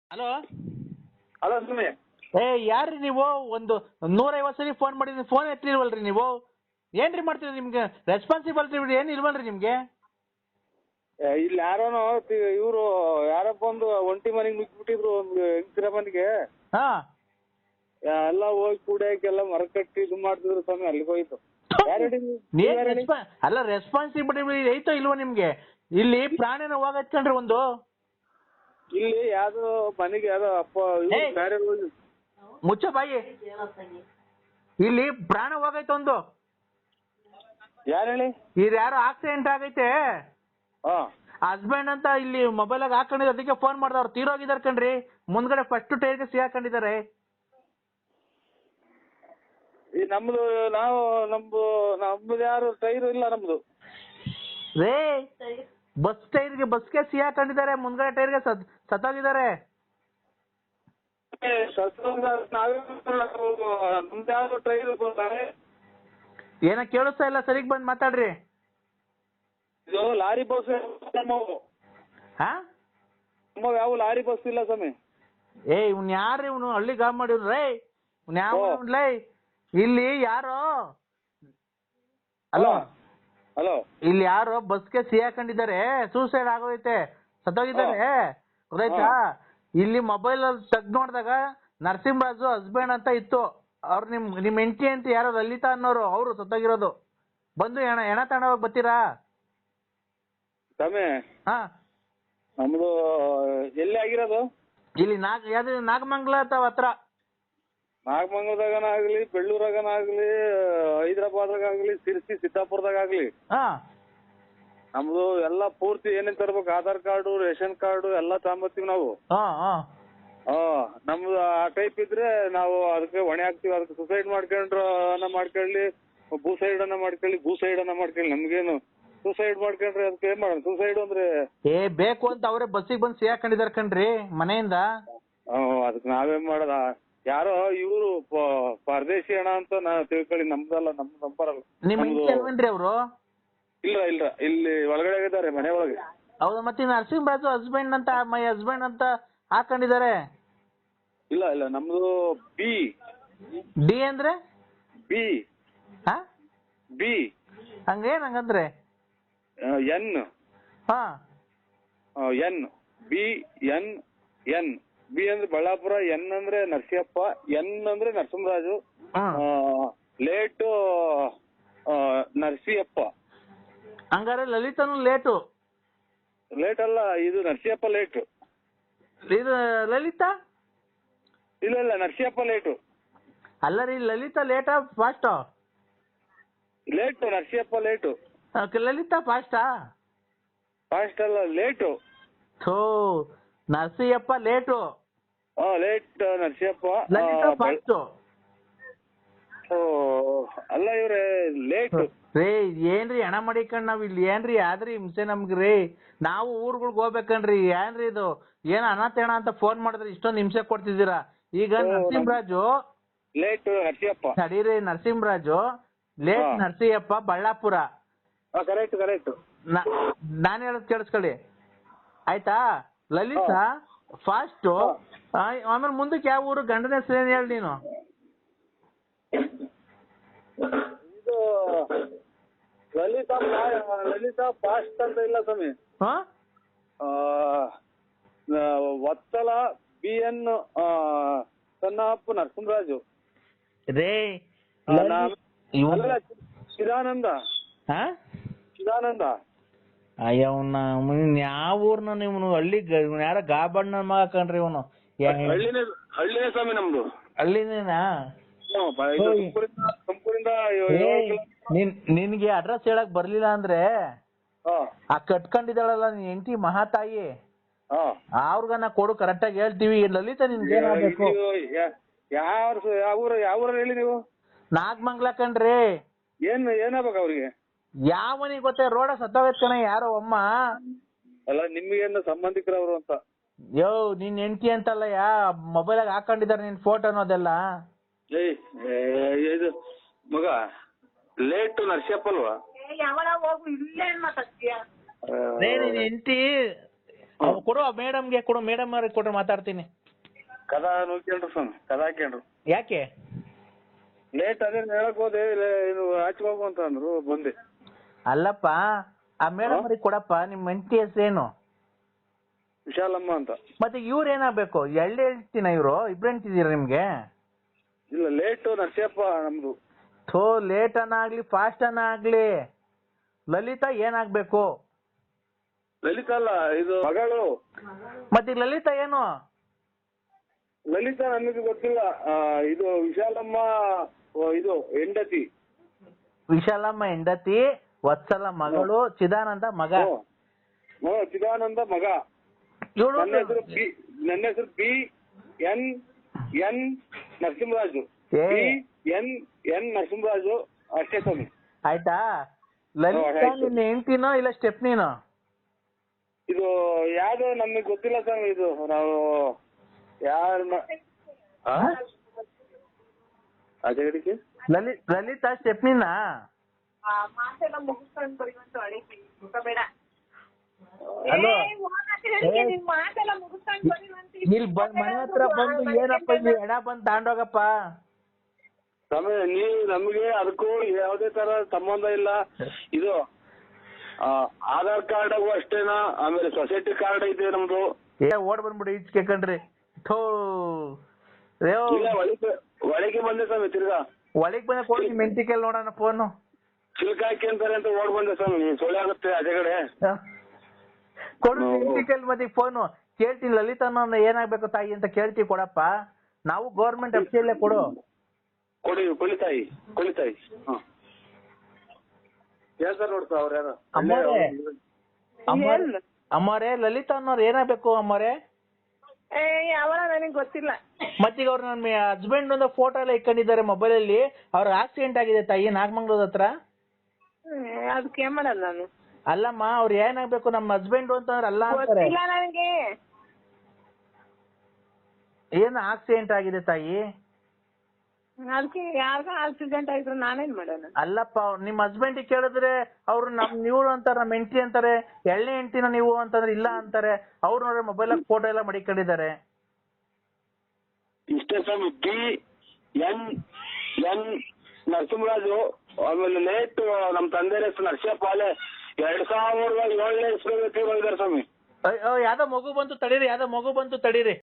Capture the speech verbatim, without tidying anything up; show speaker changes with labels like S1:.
S1: Hello
S2: hello ಸುಮ್ಮನೆ
S1: ಏ ಯಾರ್ರಿ ನೀವು? ಒಂದು ನೂರೈವತ್ತು ಸರಿ ಫೋನ್ ಮಾಡಿದ್ರಿ, ಫೋನ್ ಎತ್ತಿಲ್ವಲ್ರಿ ನೀವು? ಏನ್ರಿ ಮಾಡ್ತೀರಿ? ನಿಮ್ಗೆ ರೆಸ್ಪಾನ್ಸಿಬಿಲಿಟಿ ಏನು ಇಲ್ವಲ್ರಿ ನಿಮ್ಗೆ?
S2: ಇಲ್ಲಿ ಯಾರೋನೋ ಇವರು ಯಾರಪ್ಪ ಒಂದು ಒಂಟಿ ಮನೆಗೆ ನುಗ್ಗಿಬಿಟ್ಟಿದ್ರು ಒಂದು ಹೆಂಗಸಿರ ಮನೆಗೆ.
S1: ಹಾ
S2: ಎಲ್ಲ ಹೋಗಿ ಕುಡಿಯಕ್ಕೆಲ್ಲ ಮರ ಕಟ್ಟಿ ಇದು ಮಾಡ್ತಿದ್ರು ಸ್ವಾಮಿ. ಅಲ್ಲಿಗೆ ಹೋಯ್ತು.
S1: ಅಲ್ಲ ರೆಸ್ಪಾನ್ಸಿಬಿಲಿಟಿ ಐತೋ ಇಲ್ವೋ ನಿಮ್ಗೆ? ಇಲ್ಲಿ ಪ್ರಾಣಿನ ಹೋಗತ್ಕೊಂಡ್ರಿ ಒಂದು.
S2: ಇಲ್ಲಿ ಯಾವ್ದೋ ಮನೆಗೆ ಯಾವ್ದೋ ಅಪ್ಪ ಬೇರೆ
S1: ಮುಚ್ಚ ಬಾಯಿ. ಇಲ್ಲಿ ಪ್ರಾಣ ಹೋಗೈತೆ ಒಂದು.
S2: ಯಾರು ಹೇಳಿ?
S1: ಇದು ಯಾರೋ ಆಕ್ಸಿಡೆಂಟ್ ಆಗೈತೆ. ಹಸ್ಬೆಂಡ್ ಅಂತ ಇಲ್ಲಿ ಮೊಬೈಲ್ ಆಗ ಹಾಕೊಂಡಿದ್ರು, ಅದಕ್ಕೆ ಫೋನ್ ಮಾಡ್ದವ್ರು. ತೀರೋಗಿದಾರೆ ಕಣ್ರಿ. ಮುಂದ್ಗಡೆ ಫಸ್ಟ್ ಟೈರ್ಗೆ ಸಿಗಾಕೊಂಡಿದ್ದಾರೆ.
S2: ಈ ನಮ್ದು ನಾವು ನಮ್ದು ನಮ್ದು ಯಾರು ಟೈರ್ ಇಲ್ಲ ನಮ್ದು
S1: ರೇ. ಬಸ್ ಟೈರ್ಗೆ ಬಸ್ಗೆ ಸಿಗಾಕೊಂಡಿದ್ದಾರೆ, ಮುಂದ್ಗಡೆ ಟೈರ್ಗೆ ಸತ್ ಸತ್ತೋಗಿದ್ದಾರೆ.
S2: ನಮ್ದು ಯಾರು ಟೈರ್
S1: ಏನ ಕೇಳಿಸ್ತಾ ಇಲ್ಲ, ಸರಿಗ್ ಬಂದ್ ಮಾತಾಡ್ರಿ.
S2: ಇದು ಲಾರಿ ಬಸ್
S1: ಹಾ
S2: ನಮ್ಮವ್ ಯಾವ ಲಾರಿ ಬಸ್ ಇಲ್ಲ ಸ್ವಾಮಿ.
S1: ಏ ಇವ್ನ ಯಾರು? ಇವನು ಹಳ್ಳಿ ಗಾಬ್ ಮಾಡಿವ್ರೇ. ಇವ್ನ ಯಾವ ಲೈ? ಇಲ್ಲಿ ಯಾರೋ ಅಲೋ
S2: ಹಲೋ
S1: ಇಲ್ಲಿ ಯಾರೋ ಬಸ್ಗೆ ಸಿಗಾಕೊಂಡಿದ್ದಾರೆ, ಸೂಸೈಡ್ ಆಗೋಯ್ತೆ, ಸತ್ತೋಗಿದ್ದಾರೆ. ಗೊತ್ತಾಯ್ತಾ? ಇಲ್ಲಿ ಮೊಬೈಲ್ ಅಲ್ಲಿ ತೆಗ್ದು ನೋಡಿದಾಗ ನರಸಿಂಹರಾಜು ಹಸ್ಬೆಂಡ್ ಅಂತ ಇತ್ತು. ಅವ್ರು ನಿಮ್ ನಿಮ್ ಹೆಂಡತಿ ಅಂತ ಯಾರೋ ಲಲಿತಾ ಅನ್ನೋರು, ಅವರು ಸತ್ತೋಗಿರೋದು. ಬಂದು ಎಣ ಎಣ ತಗೊಂಡೋಗಿ ಬರ್ತೀರಾ?
S2: ಸ್ವಾಮಿ
S1: ಹಾ
S2: ನಮ್ದು ಎಲ್ಲಿ ಆಗಿರೋದು?
S1: ಇಲ್ಲಿ ನಾಗ ಯಾವ್ದು ನಾಗಮಂಗಲ ಅಥವಾ ಹತ್ರ.
S2: ನಾಗಮಂಗಲದಾಗನಾಗ್ಲಿ, ಬೆಳ್ಳೂರಾಗನಾಗ್ಲಿ, ಹೈದರಾಬಾದ್ರಾಗಲಿ, ಸಿರ್ಸಿ, ಸಿದ್ದಾಪುರದಾಗಲಿ
S1: ಹಾ
S2: ನಮ್ದು ಎಲ್ಲ ಪೂರ್ತಿ ಏನೇನ್ ತರ್ಬೇಕು, ಆಧಾರ್ ಕಾರ್ಡು, ರೇಷನ್ ಕಾರ್ಡು ಎಲ್ಲ ತಗೊಂಬರ್ತೀವಿ ನಾವು.
S1: ಹಾ ಹಾ
S2: ಹಾ ನಮ್ದು ಆ ಟೈಪ್ ಇದ್ರೆ ನಾವು ಅದಕ್ಕೆ ಹೊಣೆ ಹಾಕ್ತಿವಿ. ಅದಕ್ಕೆ ಸುಸೈಡ್ ಮಾಡ್ಕೊಂಡ್ರ ಅನ್ನ ಮಾಡ್ಕೊಳ್ಳಿ, ಭೂಸೈಡ್ ಅನ್ನ ಮಾಡ್ಕೊಳ್ಳಿ, ಭೂಸೈಡ್ ಅನ್ನ ಮಾಡ್ಕೊಳ್ಳಿ. ನಮ್ಗೇನು ಸುಸೈಡ್ ಮಾಡ್ಕೊಂಡ್ರೆ ಅದಕ್ಕೆ ಏನ್ ಮಾಡೋಣ? ಸುಸೈಡ್ ಅಂದ್ರೆ
S1: ಏ ಬೇಕು ಅಂತ ಅವರೇ ಬಸ್ಸಿಗೆ ಬಂದು ಸಿಗಾಕೊಂಡಿದಾರೆ ಕಣ್ರಿ ಮನೆಯಿಂದ.
S2: ಅದಕ್ಕೆ ನಾವೇನ್ ಮಾಡೋದ? ಯಾರೋ ಇವರು ಪರದೇಶಿ ಹಣ ಅಂತ ನಾ ತಿಳ್ಕೊಳ್ಳಿ. ನಮ್ದಲ್ಲ, ನಮ್ದು ನಂಬರಲ್ಲ.
S1: ನಿಮ್ ಹೆಂಡತಿ ಅವರು?
S2: ಇಲ್ಲ ಇಲ್ಲ, ಇಲ್ಲಿ ಒಳಗಡೆ ಇದ್ದಾರೆ, ಮನೆ ಒಳಗೆ.
S1: ಹೌದಾ? ಮತ್ತೆ ನರಸಿಂಹರಾಜು ಹಸ್ಬೆಂಡ್ ಅಂತ, ಮೈ ಹಸ್ಬೆಂಡ್ ಅಂತ ಹಾಕೊಂಡಿದ್ದಾರೆ.
S2: ಇಲ್ಲ ಇಲ್ಲ, ನಮ್ದು ಬಿ.
S1: ಡಿ ಅಂದ್ರೆ
S2: ಬಿ.
S1: ಹಾ
S2: ಬಿ
S1: ಹಂಗೇನ್ ಹಂಗಂದ್ರೆ?
S2: ಎನ್.
S1: ಹಾ
S2: N. B N N. B ಅಂದ್ರೆ ಬಳ್ಳಾಪುರ, ಎನ್ ಅಂದ್ರೆ ನರಸಿಯಪ್ಪ, ಎನ್ ಅಂದ್ರೆ ನರಸಿಂಹರಾಜು, ಲೇಟ್ ನರಸಿಯಪ್ಪ.
S1: ಹಂಗಾರೆ ಲಲಿತನು ಲೇಟು?
S2: ಲೇಟ್ ಅಲ್ಲ, ಇದು ನರಸಿಯಪ್ಪ ಲೇಟು.
S1: ಇದು ಲಲಿತಾ?
S2: ಇಲ್ಲ ಇಲ್ಲ, ನರಸಿಯಪ್ಪ ಲೇಟು.
S1: ಅಲ್ಲ ರೀ, ಲಲಿತಾ ಲೇಟಾ ಫಾಸ್ಟಾ?
S2: Late, Narasiyappa late.
S1: ಲಲಿತಾ ಫಾಸ್ಟಾ?
S2: ಫಾಸ್ಟ್ ಅಲ್ಲ, ಲೇಟು.
S1: ಥೋ, ನರಸಿಯಪ್ಪ ಲೇಟು.
S2: ಹಾ ಲೇಟ್ ನರಸಿಯಪ್ಪ.
S1: ಲಲಿತಾ ಫಾಸ್ಟು.
S2: ಅಲ್ಲ ಇವ್ರೆ ಲೇಟು.
S1: ರೇ ಏನ್ರಿ ಹಣ ಮಾಡಿಕಂಡ್ ನಾವ್ ಇಲ್ಲಿ ಏನ್ರಿ ಆದ್ರಿ ಹಿಂಸೆ ನಮ್ಗ್ರಿ? ನಾವು ಊರ್ಗಳ್ಗ್ ಹೋಗ್ಬೇಕನ್ರಿ. ಏನ್ರಿ ಇದು? ಏನ್ ಅನಾಥೇಣ ಅಂತ ಫೋನ್ ಮಾಡಿದ್ರೆ ಇಷ್ಟೊಂದು ಹಿಂಸೆ ಕೊಡ್ತಿದ್ದೀರಾ? ಈಗ ನರಸಿಂಹರಾಜು
S2: ಲೇಟ್ ನರಸಿಯಪ್ಪ.
S1: ನಡೀರಿ, Narasimharaju late Narasiyappa, Ballapura.
S2: Correct correct.
S1: ನಾನ್ ಹೇಳೋದ್ ಕೇಳಿಸ್ಕೊಳ್ಳಿ ಆಯ್ತಾ? ಲಲಿತಾ ಫಾಸ್ಟು. ಆಮೇಲೆ ಮುಂದಕ್ಕೆ ಯಾವ ಊರು? ಗಂಡನ ಹೆಸರು ಏನ್ ಹೇಳಿ ನೀನು?
S2: ಇದು ಲಲಿತಾ ಲಲಿತಾ ಫಾಸ್ಟ್ ಅಂತ ಇಲ್ಲ ಸ್ವಾಮಿ.
S1: ಹಾ
S2: ವತ್ಸಲ, ಬಿ ಎನ್ ಸನ್ನಪ್ಪ, ನರಸಿಂಹರಾಜು.
S1: ರೇ
S2: ಚಿದಾನಂದ.
S1: ಹಾ
S2: ಚಿದಾನಂದ.
S1: ಅಯ್ಯವನ್ನ ಯಾವ ಊರ್ನ ನೀವು? ಹಳ್ಳಿ ಯಾರ ಗಾಬಣ್ಣ ಮಗ ಕಣ್ರಿ ಇವನು.
S2: ಹಳ್ಳಿನೇ ಹಳ್ಳಿನೇ ಸ್ವಾಮಿ ನಮ್ದು.
S1: ಹಳ್ಳಿನೇನಾ?
S2: ತುಮಕೂರಿಂದ.
S1: ನಿನ್ಗೆ ಅಡ್ರೆಸ್ ಹೇಳಕ್ ಬರ್ಲಿಲ್ಲ ಅಂದ್ರೆ ಆ ಕಟ್ಕೊಂಡಿದ್ದಾಳಲ್ಲ ನಿನ್ ಹೆಂಡತಿ ಮಹಾತಾಯಿ, ಅವ್ರಿಗನ್ನ ಕೊಡು, ಕರೆಕ್ಟಾಗಿ ಹೇಳ್ತೀವಿ. ಲಲಿತಾ ನಿನ್ಗೆ ಏನಾಗಬೇಕು?
S2: ಯಾವ ಯಾವ ಊರ ಯಾವ ಊರ ಹೇಳಿ ನೀವು?
S1: ನಾಗಮಂಗ್ಲ ಕಣ್ರಿ.
S2: ಏನ್ ಏನಾಗ್ಬೇಕು ಅವ್ರಿಗೆ?
S1: ಯಾವನಿಗೆ ಗೊತ್ತೇ? ರೋಡ ಸತ್ತೋಗೈತ್ ಕಣ ಯಾರೋ ಅಮ್ಮ.
S2: ಅಲ್ಲ ನಿಮ್ಗೇನು ಸಂಬಂಧಿಕರವ್ರು ಅಂತ?
S1: ಯೋ ನಿನ್ ಹೆಂಡತಿ ಅಂತಲ್ಲ, ಯಾ ಮೊಬೈಲಾಗ ಹಾಕೊಂಡಿದಾರೆ ನಿನ್ ಫೋಟೋ ಅನ್ನೋದೆಲ್ಲ.
S2: ಇದು ಮಗ ಲೇಟ್ ನರಸಿಯಪ್ಪ ಅಲ್ವಾ?
S1: ನಿನ್ ಹೆಂಡತಿ ಕೊಡು, ಮೇಡಮ್ಗೆ ಕೊಡು, ಮೇಡಮ್ ಅವ್ರಿಗೆ ಕೊಟ್ರೆ ಮಾತಾಡ್ತೀನಿ.
S2: ಕದ ನೋಡ್ಕೊಂಡ್ರು ಸ್ವಾಮಿ ಕದ ಹಾಕ್ಯಂಡ್ರು.
S1: ಯಾಕೆ
S2: ಲೇಟ್ ಅದೇ ಹೇಳಕ್ ಹೋದೆ ಇದು ಹಾಚ್ಕೋಗು ಅಂತ ಅಂದ್ರು ಬಂದೆ.
S1: ಅಲ್ಲಪ್ಪ ಆ ಮೇಡಮ್ ಅವ್ರಿಗೆ ಕೊಡಪ್ಪ. ನಿಮ್ಮ ಹೆಂಡತಿ ಹೆಸರೇನು?
S2: ವಿಶಾಲಮ್ಮ ಅಂತ.
S1: ಮತ್ತೆ ಇವ್ರು ಏನಾಗ್ಬೇಕು? ಎಳ್ಳೆ ಹೇಳ್ತೀನ ಇವ್ರು ಇಬ್ರು ಹೆಂಡ್ತಿದ್ದೀರಾ ನಿಮ್ಗೆ?
S2: ಇಲ್ಲ ಲೇಟು ನರಸಿಯಪ್ಪ ನಮ್ದು.
S1: ಥೋ ಲೇಟ್ ಅನ್ನ ಆಗ್ಲಿ ಫಾಸ್ಟ್ ಅನ್ನ ಆಗ್ಲಿ ಲಲಿತಾ ಏನಾಗ್ಬೇಕು?
S2: ಲಲಿತಾ ಅಲ್ಲ ಇದು ಮಗಳು.
S1: ಮತ್ತೆ ಲಲಿತಾ ಏನು?
S2: ಲಲಿತಾ ನಮಗೆ ಗೊತ್ತಿಲ್ಲ. ಆ, ಇದು ವಿಶಾಲಮ್ಮ ಓ, ಇದು ಹೆಂಡತಿ.
S1: ವಿಶಾಲಮ್ಮ ಹೆಂಡತಿ, ವತ್ಸಲ ಮಗಳು, ಚಿದಾನಂದ ಮಗ.
S2: ಹ್ಞೂ ಚಿದಾನಂದ ಮಗ.
S1: ಇವಳು
S2: ನನ್ನ ಹೆಸರು ಬಿ ನನ್ನ ಹೆಸರು ಬಿ ಎನ್ ಎನ್ ನರಸಿಂಹರಾಜು.
S1: ಏ.
S2: ಬಿ ಎನ್ ಎನ್ ನರಸಿಂಹರಾಜು ಅಷ್ಟೇ ಸ್ವಾಮಿ.
S1: ಆಯ್ತಾ? ಲಲಿತಾ
S2: ಆಯ್ತು.
S1: ನಿನ್ನ ಹೆಂಡ್ತಿನೋ ಇಲ್ಲ ಸ್ಟೆಪ್ನಿನೋ?
S2: ಇದು ಯಾವ್ದು ನಮಗೆ ಗೊತ್ತಿಲ್ಲ ಸ್ವಾಮಿ. ಇದು ನಾವು ಯಾರನ್ನ ಅಜಗಡಿಕೆ
S1: ಲಲಿ ಲಲಿತಾ ಸ್ಟೆಪ್ನಿನ?
S3: ಮಾತೆಲ್ಲ ಮುಗಿಸ್ಕೊಂಡು ಬರುವಂತ ಬೇಡ.
S1: ಹಲೋ
S3: ಮಾತೆಲ್ಲ ಮುಗಿಸ್ಕೊಂಡು ಬರುವಂತ
S1: ಇಲ್ಲಿ ಬಂದ್ ಮನೆ ಹತ್ರ ಬಂದು ಏನಪ್ಪ ಇಲ್ಲಿ ಎಡ ಬಂದ್ ತಾಂಡೋಗಪ್ಪ.
S2: ಸ್ವಾಮಿ ನೀವು ನಮಗೆ ಅದಕ್ಕೂ ಯಾವುದೇ ತರ ಸಂಬಂಧ ಇಲ್ಲ. ಇದು ಆ, ಆಧಾರ್ ಕಾರ್ಡ್ ಅಷ್ಟೇನಾ? ಆಮೇಲೆ ಸೊಸೈಟಿ ಕಾರ್ಡ್ ಇದೆ ನಮ್ದು.
S1: ಏ ಓಡ್ ಬಂದ್ಬಿಡಿ ಈಚೆ ಕಣ್ರಿ. ಥೋ ಅಯ್ಯೋ,
S2: ಇಲ್ಲ ಒಳಗೆ ಒಳಗೆ ಬಂದೆ ಸ್ವಾಮಿ. ತಿರ್ಗಾ
S1: ಒಳಗ್ ಬಂದ ಕೊಡಿ ನಿಮ್ ಹೆಂಡತಿಗೆಲ್ಲ ನೋಡೋಣ ಫೋನು.
S2: ಚಿಲ್ಕ ಹಾಕಿ ಅಂತಾರೆ ಅಂತ ಓಡ್ ಬಂದೆ ಸ್ವಾಮಿ. ನೀವು ಸೊಳ್ಳೆ ಆಗುತ್ತೆ ಅಜಗಡೆ.
S1: ಕೊಡು ಹೆಂಡತಿಗೆಲ್ಲ ಮತ್ತೆ ಫೋನು. ಕೇಳ್ತೀನಿ ಲಲಿತಾನ ಏನಾಗ್ಬೇಕು ತಾಯಿ ಅಂತ ಕೇಳ್ತೀವಿ ಕೊಡಪ್ಪ. ನಾವು ಗೌರ್ಮೆಂಟ್ ಅಫ್ಸಿಯಲ್ಲೇ ಕೊಡು.
S2: ಕೊಡಿ ಕೊಳಿತಾಯಿ ಕೊಳಿತಾಯಿ. ಹಾ ಹೇಳ್ತಾರೆ ನೋಡ್ತಾ ಅವ್ರ ಯಾರು
S1: ಅಮ್ಮೋರೆ ಅಮ್ಮೋರೆ ಅಮ್ಮೋರೆ ಲಲಿತಾ ಅನ್ನೋರು ಏನಾಗ್ಬೇಕು ಅಮ್ಮೋರೆ?
S3: ಏ ಯಾವಾಗ ನನಗೆ ಗೊತ್ತಿಲ್ಲ.
S1: ಮತ್ತೀಗ ಅವ್ರು ನನ್ನ ಹಸ್ಬೆಂಡ್ ಒಂದು ಫೋಟೋ ಎಲ್ಲ ಇಟ್ಕೊಂಡಿದ್ದಾರೆ ಮೊಬೈಲ್ ಅಲ್ಲಿ. ಅವ್ರ ಆಕ್ಸಿಡೆಂಟ್ ಆಗಿದೆ ತಾಯಿ ನಾಗಮಂಗ್ಳೂರ್ ಹತ್ರ.
S3: ಅದಕ್ಕೆ ಏನ್ ಮಾಡಲ್ಲ ನಾನು.
S1: ಅಲ್ಲಮ್ಮ ಅವ್ರು ಏನಾಗ್ಬೇಕು? ನಮ್ಮ ಹಸ್ಬೆಂಡ್ ಅಂತಂದ್ರೆ ಅಲ್ಲ ಅಂತಾರೆ.
S3: ಗೊತ್ತಿಲ್ಲ ನನಗೆ.
S1: ಏನು ಆಕ್ಸಿಡೆಂಟ್ ಆಗಿದೆ ತಾಯಿ?
S3: ಅದಕ್ಕೆ ಯಾರಿಗ ಆಕ್ಸಿಡೆಂಟ್ ಆಗಿದ್ರು ನಾನೇನ್ ಮಾಡೋಣ?
S1: ಅಲ್ಲಪ್ಪ ನಿಮ್ಮ ಹಸ್ಬೆಂಡ್ ಕೇಳಿದ್ರೆ ಅವ್ರು ನಮ್ ನೀವು ಅಂತಾರೆ, ನಮ್ಮ ಹೆಂಡತಿ ಅಂತಾರೆ. ಎಳ್ಳೆ ಹೆಂಡತಿನ ನೀವು ಅಂತಂದ್ರೆ ಇಲ್ಲ ಅಂತಾರೆ. ಅವ್ರು ನೋಡ್ರೆ ಮೊಬೈಲ್ ಫೋಟೋ ಎಲ್ಲ ಮಡಿಕೊಂಡಿದ್ದಾರೆ.
S2: ಇಷ್ಟೇ ಸ್ವಾಮಿ. B N N Narasimharaju. ಆಮೇಲೆ ಲೇಟ್ ನಮ್ ತಂದೆ ಹೆಸರು ನರಸಿಯಪ್ಪ. ಅಲ್ಲೇ ಎರಡ್ ಸಾವಿರದ ಏಳನೇ ಇಸ್ವಿ ತೀರೋಗಿದ್ದಾರೆ ಸ್ವಾಮಿ.
S1: ಯಾವ್ದೋ ಮಗು ಬಂತು ತಡೀರಿ, ಯಾವ್ದೋ ಮಗು ಬಂತು ತಡೀರಿ.